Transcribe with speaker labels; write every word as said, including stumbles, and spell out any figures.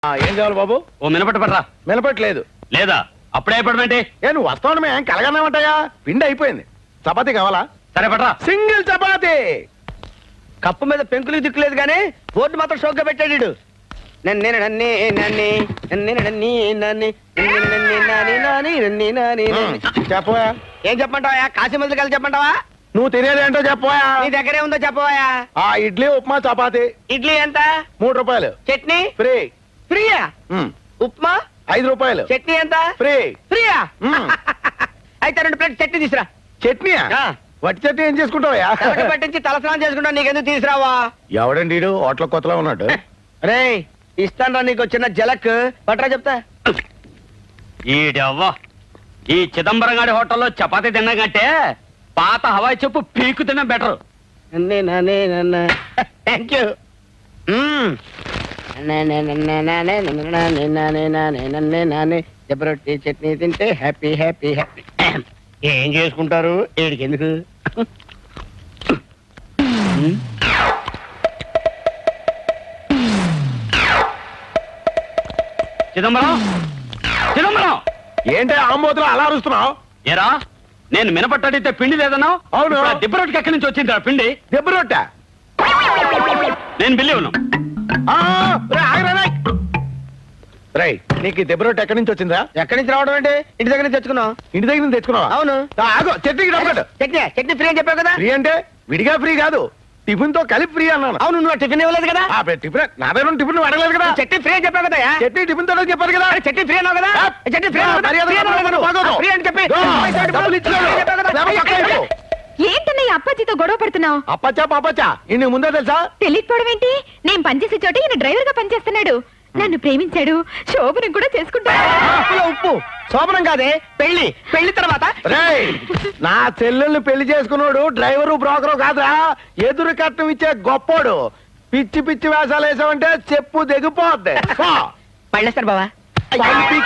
Speaker 1: ఏం కావాలి బాబు?
Speaker 2: ఓ మినపట్టు పడరా.
Speaker 1: మినపట్లేదు.
Speaker 2: లేదా అప్పుడే పడమేంటి?
Speaker 1: ఏ నువ్వు వస్తావు ఏం కలగన్నామంటాయా? పిండి అయిపోయింది. చపాతీ కావాలా?
Speaker 2: సరే పడరా.
Speaker 1: సింగిల్ చపాతీ.
Speaker 3: కప్పు మీద పెంకులు దిక్కులేదు కానీ బోర్డు మాత్రం షోక్గా పెట్టాడు వీడు. నన్నే నన్నే నన్నే నన్నే నన్నే నన్నే నన్నే నాని నాని నన్నే నాని
Speaker 1: ఉమ్, చెప్పవా?
Speaker 3: ఏం చెప్పమంటావా? కాశీ మందులు కలిసి చెప్పమంటావా?
Speaker 1: నువ్వు తినేదేంటో చెప్పవా?
Speaker 3: నీ దగ్గరే ఉందో చెప్పవా?
Speaker 1: ఆ ఇడ్లీ ఉప్మా చపాతీ
Speaker 3: ఇడ్లీ ఎంత?
Speaker 1: మూడు రూపాయలు
Speaker 3: చట్నీ
Speaker 1: ఫ్రీ.
Speaker 3: ఫ్రీయా?
Speaker 1: ఉమ్,
Speaker 3: ఉప్మా
Speaker 1: ఐదు రూపాయలు
Speaker 3: చట్నీ ఎంత?
Speaker 1: ఫ్రీ.
Speaker 3: ఫ్రీయా?
Speaker 1: ఉమ్.
Speaker 3: అయితే రెండు ప్లేట్ చట్నీ తీసురా.
Speaker 1: చట్నీయా?
Speaker 3: ఆ.
Speaker 1: వట్టి చట్నీ ఏం చేసుకుంటావా?
Speaker 3: తలకి పట్టించి తలస్నానం చేసుకుంటా, నీకెందుకు తీసురావా?
Speaker 1: ఎవడండి వీడు? హోటల్ కొత్తలో ఉన్నాడు.
Speaker 3: రే ఇస్తాను రా నీకు చిన్న జలక్ పట్రా చెప్తా.
Speaker 2: ఈడవ్వ ఈ చిదంబరం గారి హోటల్లో చపాతీ తిన్నా కంటే పాత హవాయి చెప్పు పీకు తిన్నా బెటర్.
Speaker 3: నన్నే నానే నన్న థ్యాంక్ యూ. జబరొట్టి చట్నీ తింటే హ్యాపీ హ్యాపీ హ్యాపీ. ఏం చేసుకుంటారు ఏడికి ఎందుకు?
Speaker 2: చిదంబరం చిదంబరం
Speaker 1: ఏంటి ఆంబోతులు అలా అరుస్తున్నావు?
Speaker 2: ఏరా నేను మినపట్టు అడిగితే పిండి లేదన్నావు.
Speaker 1: అవును.
Speaker 2: ఇప్పుడు ఆ దిబ్బరొట్టుకి ఎక్కడి నుంచి వచ్చింది పిండి?
Speaker 1: దెబ్బ రొట్టె.
Speaker 2: నేను బిల్లి ఉన్నాను.
Speaker 1: ఆ, రేయ్, ఆగురా, రేయ్. రేయ్, నీకు ఈ దెబ్బ రొట్టె ఎక్కడి నుంచి వచ్చిందా?
Speaker 3: ఎక్కడి నుంచి రావడం అంటే ఇంటి దగ్గర నుంచి తెచ్చుకున్నావు.
Speaker 1: ఇంటి దగ్గర నుంచి తెచ్చుకున్నావా?
Speaker 3: అవును.
Speaker 1: ఆ, ఆగు, చట్నీకి డబ్బు కట్టు.
Speaker 3: చట్నీ చట్నీ ఫ్రీ అని చెప్పావు కదా.
Speaker 1: ఫ్రీ అంటే విడిగా ఫ్రీ కాదు, టిఫిన్ తో కలిపి ఫ్రీ అన్నాను.
Speaker 3: అవును నువ్వు టిఫిన్ ఇవ్వలేదు కదా.
Speaker 1: ఆ, టిఫిన్ నా దగ్గర టిఫిన్ నువ్వు అడగలేదు కదా.
Speaker 3: చట్నీ ఫ్రీ అని చెప్పావు కదా.
Speaker 1: చట్నీ టిఫిన్ తో చెప్పారు కదా.
Speaker 3: చట్నీ ఫ్రీ అన్నావు కదా.
Speaker 1: ఆ,
Speaker 3: చట్నీ ఫ్రీ అన్నావు కదా.
Speaker 1: మర్యాద
Speaker 3: ఫ్రీ అన్నావు కదా.
Speaker 1: బాగోదు.
Speaker 3: ఫ్రీ అని చెప్పి
Speaker 1: దో, డబ్బులు ఇచ్చాడు.
Speaker 3: ఫ్రీ చెప్పావు కదా.
Speaker 1: లేకపోతే పక్కన అయిపో.
Speaker 4: ఏంటన్నయ్య అప్పాజీతో గొడవ పడుతున్నావు?
Speaker 1: అప్పచ్చా పాపచ్చా ఇన్ని ముందే తెలుసా?
Speaker 4: తెలియకపోవడం ఏంటి? నేను పనిచేసే చోట ఈయన డ్రైవర్ గా పనిచేస్తున్నాడు. నన్ను ప్రేమించాడు, శోభనం కూడా చేసుకుంటాడు.
Speaker 3: ఉప్పులో ఉప్పు శోభనం కాదే పెళ్లి. పెళ్లి తర్వాత
Speaker 1: రేయ్, నా చెల్లెల్ని పెళ్లి చేసుకున్నాడు డ్రైవరు బ్రోకరు కాదురా, ఎదురు కట్నం ఇచ్చే గొప్పోడు. పిచ్చి పిచ్చి వేషాలు వేసావంటే చెప్పు దిగిపోద్ది.
Speaker 3: పళ్ళేస్తారు బావా.
Speaker 1: పైకి